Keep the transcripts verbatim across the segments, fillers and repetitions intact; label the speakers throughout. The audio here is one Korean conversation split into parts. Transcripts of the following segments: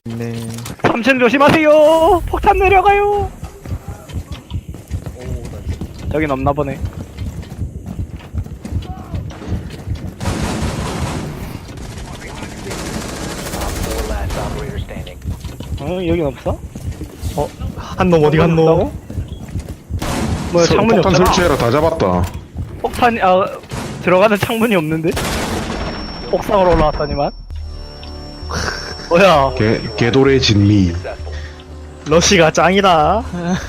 Speaker 1: 네.
Speaker 2: 삼 층 조심하세요. 폭탄 내려가요. 저긴 없나 보네. 어, 여긴 없어?
Speaker 1: 어, 한 놈 어디 갔노?
Speaker 2: 없다고? 뭐야,
Speaker 3: 서-
Speaker 2: 창문이
Speaker 3: 폭탄
Speaker 2: 없잖아.
Speaker 3: 설치해라. 다 잡았다.
Speaker 2: 폭탄이 아 들어가는 창문이 없는데? 옥상으로 올라왔더니만. 뭐야?
Speaker 3: 개, 개돌의 진미.
Speaker 1: 러시가 짱이다.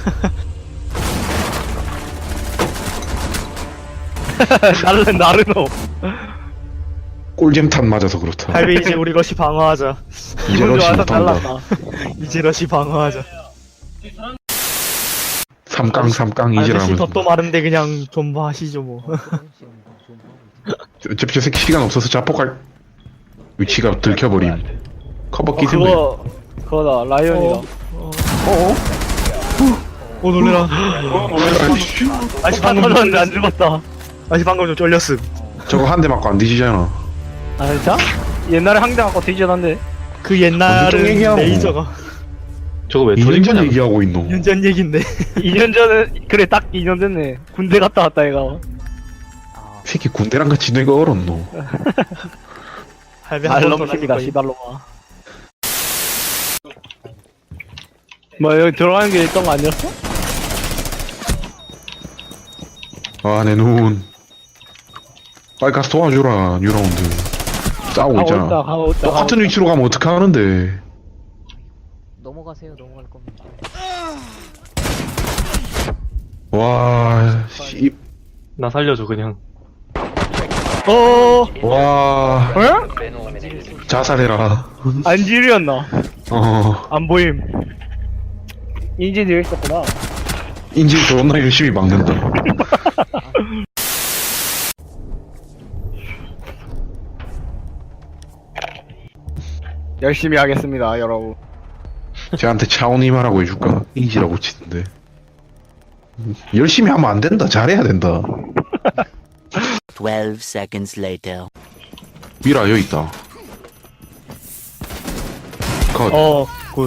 Speaker 2: 나르 나르노.
Speaker 3: 꿀잼탄 맞아서 그렇다.
Speaker 1: 할배 이제 우리 러시 방어하자.
Speaker 3: 이제
Speaker 2: 기분
Speaker 3: 러시
Speaker 2: 좋아서
Speaker 3: 못한다.
Speaker 2: 날랐다.
Speaker 1: 이제 러시 방어하자.
Speaker 3: 삼깡 삼깡
Speaker 1: 아저씨
Speaker 3: 이지라면.
Speaker 1: 덧도 마른데 그냥 좀 하시죠 뭐.
Speaker 3: 어차피 저 새끼 시간 없어서 자폭할 위치가 들켜버림. 커버
Speaker 2: 어,
Speaker 3: 끼든데.
Speaker 2: 그거 그거다 라이언이다.
Speaker 1: 어, 어? 오 놀래라. 아저씨
Speaker 2: 폭탄
Speaker 1: 방금 좀
Speaker 2: 터졌는데 안
Speaker 1: 쫄렸음.
Speaker 2: 죽었다.
Speaker 1: 아저씨 방금 좀 쫄렸음.
Speaker 3: 저거 한 대 맞고 안 뒤지잖아.
Speaker 2: 아 진짜? 옛날에 항대 갖고 뒤졌는데.
Speaker 1: 그
Speaker 3: 완전
Speaker 1: 옛날은
Speaker 3: 얘기하고.
Speaker 1: 레이저가
Speaker 4: 저거 왜
Speaker 3: 이 년 전
Speaker 4: 터진
Speaker 3: 얘기하고 있노.
Speaker 1: 이 년 전 얘긴데.
Speaker 2: 이 년 전에 그래 딱 이 년 됐네. 군대 갔다 왔다 얘가.
Speaker 3: 새끼 군대랑 같이 내가 얼었노.
Speaker 1: 할배 한번
Speaker 2: 알놈입니다
Speaker 1: 더
Speaker 2: 시발로마. 뭐 여기 들어가는 게 있던 거 아니었어?
Speaker 3: 아, 내 눈. 빨리 가서 도와주라, 뉴라운드. 싸우고
Speaker 2: 가고
Speaker 3: 있잖아.
Speaker 2: 있다 가고 있다.
Speaker 3: 똑같은 위치로 가면 어떡하는데.
Speaker 5: 넘어가세요. 넘어갈 겁니다.
Speaker 3: 와, 씨.
Speaker 4: 나 살려줘 그냥.
Speaker 2: 어?
Speaker 3: 와,
Speaker 2: 어?
Speaker 3: 자살해라.
Speaker 2: 안질이었나?
Speaker 3: 어,
Speaker 2: 안 보임. 인진이 여기 있었구나.
Speaker 3: 인질 존나 열심히 막는다.
Speaker 2: 열심히 하겠습니다 여러분.
Speaker 3: 쟤한테 차오니마라고 해줄까? 인지라고 치던데. 열심히 하면 안 된다. 잘해야 된다.
Speaker 6: Twelve seconds later.
Speaker 3: 미라, 여기 있다. 컷.
Speaker 1: 어, 굿.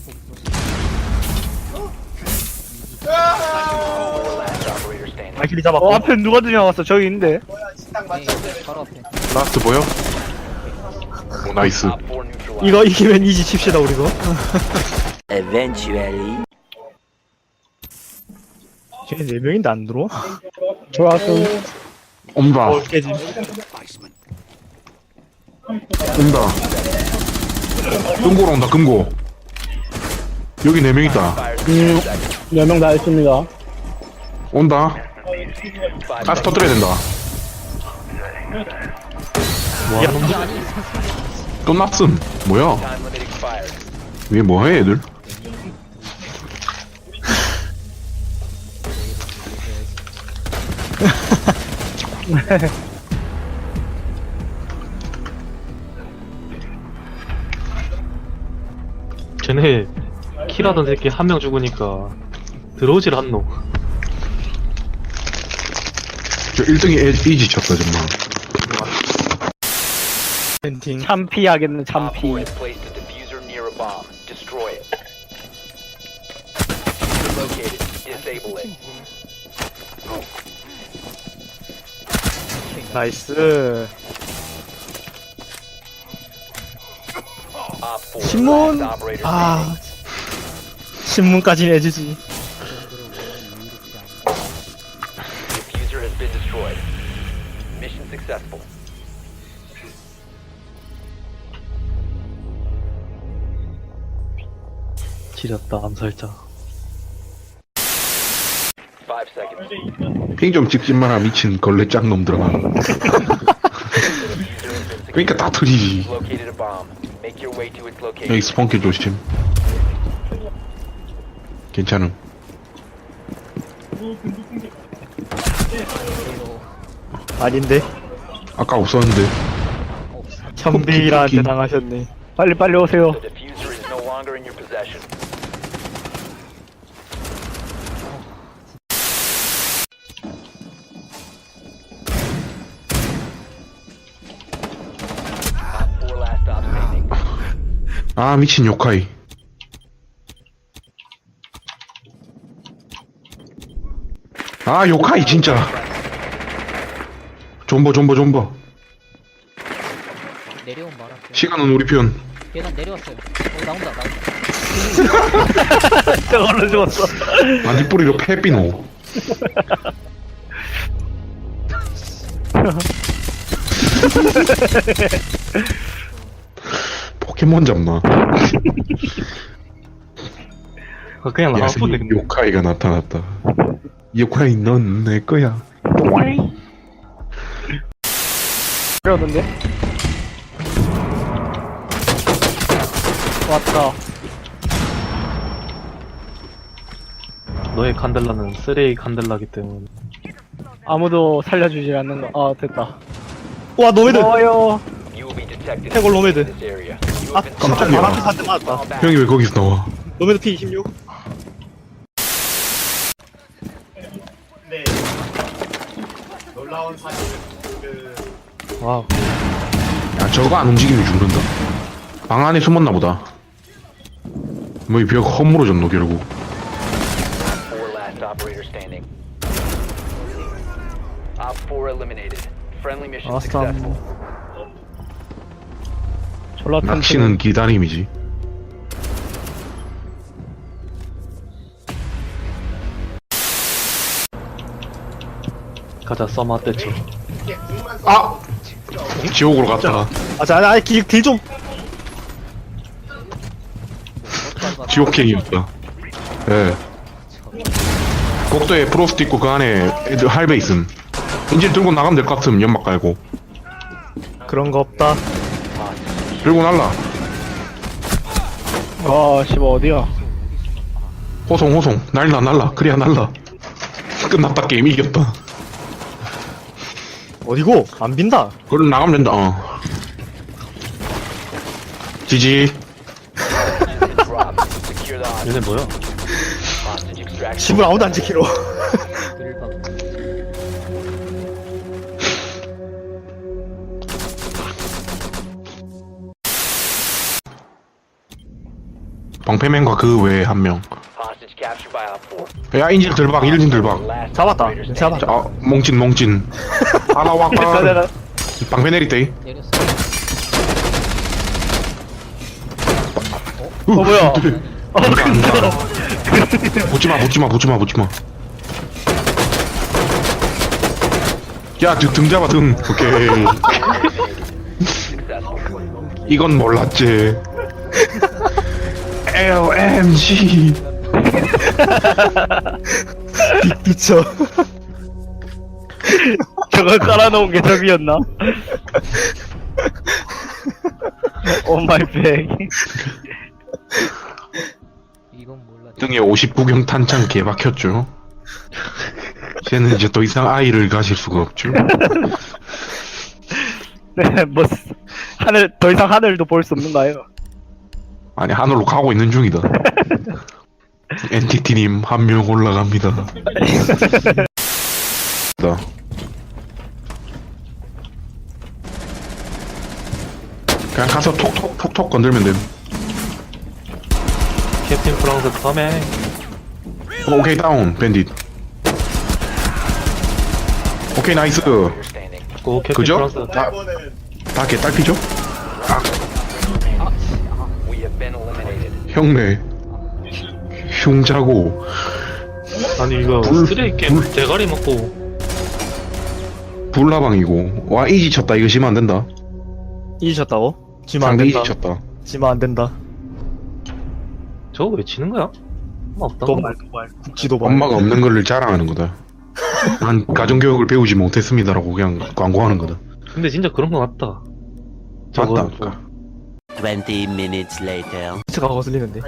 Speaker 1: 마이클이 잡았고.
Speaker 2: 어 앞에 누가 들려왔어? 저기 있는데.
Speaker 5: 바로 앞에.
Speaker 3: 라스트 보여? 오, 나이스.
Speaker 1: 이거 이기면 이지 칩시다 우리도.
Speaker 6: Eventually.
Speaker 1: 쟤네 네 명인데 안 들어와?
Speaker 2: 좋았어.
Speaker 3: 온다.
Speaker 1: 어, 깨짐.
Speaker 3: 온다. 금고로 온다, 금고. 여기 네 명 있다.
Speaker 2: 음, 몇 명 다 있습니다.
Speaker 3: 온다. 가스 터뜨려야 된다.
Speaker 1: 야, 놈들.
Speaker 3: 끝났음. 뭐야? 위에 뭐해, 애들?
Speaker 4: 쟤네 킬하던 새끼 한 명 죽으니까 들어오질 않노.
Speaker 3: 저 일 등이 에, 이지 쳤다, 정말.
Speaker 1: 펜팅.
Speaker 2: 참피하겠네 참피.
Speaker 1: 나이스. 신문. 아. 신문까지 내주지.
Speaker 4: 지렸다 암살자.
Speaker 3: 핑 좀 찍지 마라, 미친 걸레 짝놈들아. 그러니까 다 터지지. 여기 스폰킬 조심. 괜찮음.
Speaker 1: 아닌데.
Speaker 3: 아까 없었는데.
Speaker 1: 현빈이한테 당하셨네.
Speaker 2: 빨리 빨리 오세요.
Speaker 3: 아 미친 요카이. 아 요카이 진짜. 존버 존버 존버.
Speaker 5: 내려온 말할게요.
Speaker 3: 시간은 우리 편.
Speaker 5: 계단 내려왔어요. 어 나온다 나온다.
Speaker 2: 저걸로 죽었어.
Speaker 3: 아니 뿌리로 페비노. 포켓몬 잡나?
Speaker 4: 아, 그냥
Speaker 3: 야,
Speaker 4: 나왔는데 근데
Speaker 3: 요카이가 나타났다. 요카이 넌 내 거야.
Speaker 2: 그러던데? 왔다.
Speaker 4: 너의 칸델라는 쓰레기 칸델라기 때문에
Speaker 2: 아무도 살려주질 않는 거. 아, 됐다.
Speaker 1: 와 노메드.
Speaker 2: 어요.
Speaker 1: 태골 노메드. 아
Speaker 3: 깜짝이야.
Speaker 1: 바람 한대 맞았다.
Speaker 3: 형이 왜 거기서 나와?
Speaker 1: 노메드 피 이십육.
Speaker 4: 와우.
Speaker 3: 야 저거 안 움직이면 죽는다. 방 안에 숨었나 보다. 뭐 이 벽 허물어졌노 결국.
Speaker 6: Four last operator standing. Op four eliminated. Friendly mission
Speaker 1: 아싸.
Speaker 6: successful.
Speaker 2: 졸라 큰
Speaker 3: 낚시는 기다림이지.
Speaker 4: 가자 써마 떼쳐.
Speaker 3: 아! 지옥으로 갔다.
Speaker 1: 아자 아니 딜 좀.
Speaker 3: 지옥행이었다. 예. 복도에 프로스트 있고 그 안에 애들 할배 있음. 인질 들고 나가면 될 것 같음. 연막 깔고.
Speaker 1: 그런 거 없다.
Speaker 3: 들고 날라.
Speaker 2: 와, 씨발 어디야?
Speaker 3: 호송 호송. 날라 날라. 그래야 날라. 끝났다. 게임 이겼다.
Speaker 1: 어디고? 안 빈다.
Speaker 3: 그럼 나가면 된다. 어. 지지.
Speaker 6: Drop. Secure the hostage.
Speaker 4: 얘네 뭐야?
Speaker 6: Hostage extraction.
Speaker 1: 집을 아무도 안 지키러.
Speaker 5: 들박.
Speaker 3: 방패맨과 그 외에 한 명.
Speaker 6: Hostage captured by Op four.
Speaker 3: 야 인질 들박. 인질 들박.
Speaker 6: Last
Speaker 1: 잡았다.
Speaker 6: operator standing.
Speaker 1: 잡았다.
Speaker 3: 자, 어, 몽진 몽진. 하나
Speaker 2: 내가
Speaker 3: 와까.
Speaker 2: 내가
Speaker 3: 방패 내리대.
Speaker 5: 내렸어.
Speaker 3: 어
Speaker 2: 뭐야?
Speaker 3: 어 근데. 붙지마 붙지마 붙지마 붙지마. 야, 등, 등 잡아, 등. 오케이.
Speaker 6: Successful.
Speaker 3: 이건 몰랐지. 엘엠지.
Speaker 1: 미쳐.
Speaker 2: 저걸 깔아놓은 게 저기였나? 오 마이 백.
Speaker 5: 이건 몰라.
Speaker 3: 등에 오십구 경 탄창 개박혔죠. 쟤는 이제 더 이상 아이를 가질 수가 없죠.
Speaker 2: 네, 뭐 하늘 더 이상 하늘도 볼 수 없는가요?
Speaker 3: 아니, 하늘로 가고 있는 중이다. 엔티티님 한 명 올라갑니다. 나. 그냥 가서 톡톡 톡톡 건들면 됨.
Speaker 4: 캡틴 프랑스 커밍.
Speaker 3: 어, 오케이 다운 밴딧. 오케이 나이스.
Speaker 6: Operator standing.
Speaker 4: 고 캡틴
Speaker 3: 그죠?
Speaker 4: 프랑스.
Speaker 3: 다, 다 개딸피죠?
Speaker 6: We have been eliminated.
Speaker 3: 형네 흉자고
Speaker 4: 아니 이거
Speaker 3: 불-
Speaker 4: 쓰레기 게임
Speaker 3: 불-
Speaker 4: 대가리 먹고
Speaker 3: 불나방이고 와 이지 쳤다. 이거 지면 안 된다.
Speaker 1: 잊으셨다고? 지면 안
Speaker 3: 상대 이지
Speaker 1: 된다.
Speaker 3: 쳤다.
Speaker 1: 지면 안 된다.
Speaker 4: 저거 왜 치는 거야? 엄마 없다.
Speaker 1: 도발 도발. 국지 도발.
Speaker 3: 엄마가 없는 거를 자랑하는 거다. 난 가정교육을 배우지 못했습니다라고 그냥 광고하는 거다.
Speaker 4: 근데 진짜 그런 거 같다. 저거
Speaker 3: 맞다니까.
Speaker 7: twenty minutes later.
Speaker 1: 치가 거슬리는데.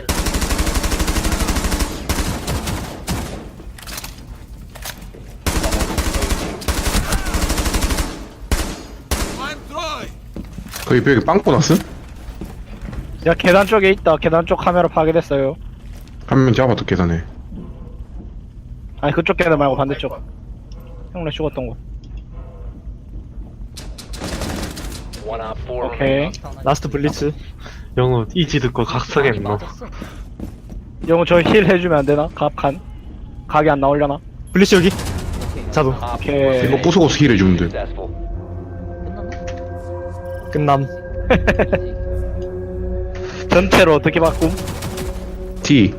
Speaker 3: 거기 벽에 빵꾸 났어?
Speaker 2: 야, 계단 쪽에 있다. 계단 쪽 카메라 파괴됐어요.
Speaker 3: 한 명 잡아도 계산해.
Speaker 2: 아니, 그쪽 계단 말고 반대쪽. 형네 죽었던 곳.
Speaker 6: One Op four
Speaker 2: 오케이.
Speaker 6: remaining.
Speaker 1: 라스트 블리츠.
Speaker 4: 영우 이지 듣고
Speaker 5: 아니,
Speaker 4: 각성했노.
Speaker 5: 맞았어.
Speaker 2: 영우 저 힐 해주면 안 되나? 갑칸 각이 안 나오려나?
Speaker 1: 블리시 여기.
Speaker 5: 오케이.
Speaker 1: 자도.
Speaker 6: Op
Speaker 2: 오케이.
Speaker 3: 이거 부수고 스킬 해주면 돼.
Speaker 6: successful.
Speaker 5: 끝났나?
Speaker 1: 끝남.
Speaker 2: 전체로 어떻게 바꿈?
Speaker 3: T.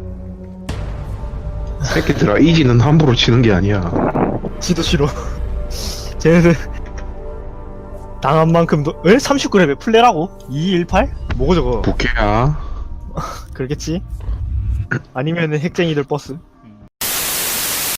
Speaker 3: 새끼들아, 이지는 함부로 치는 게 아니야.
Speaker 1: 지도 싫어. 쟤네들 당한 만큼도 에? 삼십구 레벨 플레라고? 이백십팔? 뭐고 저거?
Speaker 3: 부캐야.
Speaker 1: 그러겠지? 아니면은 핵쟁이들 버스?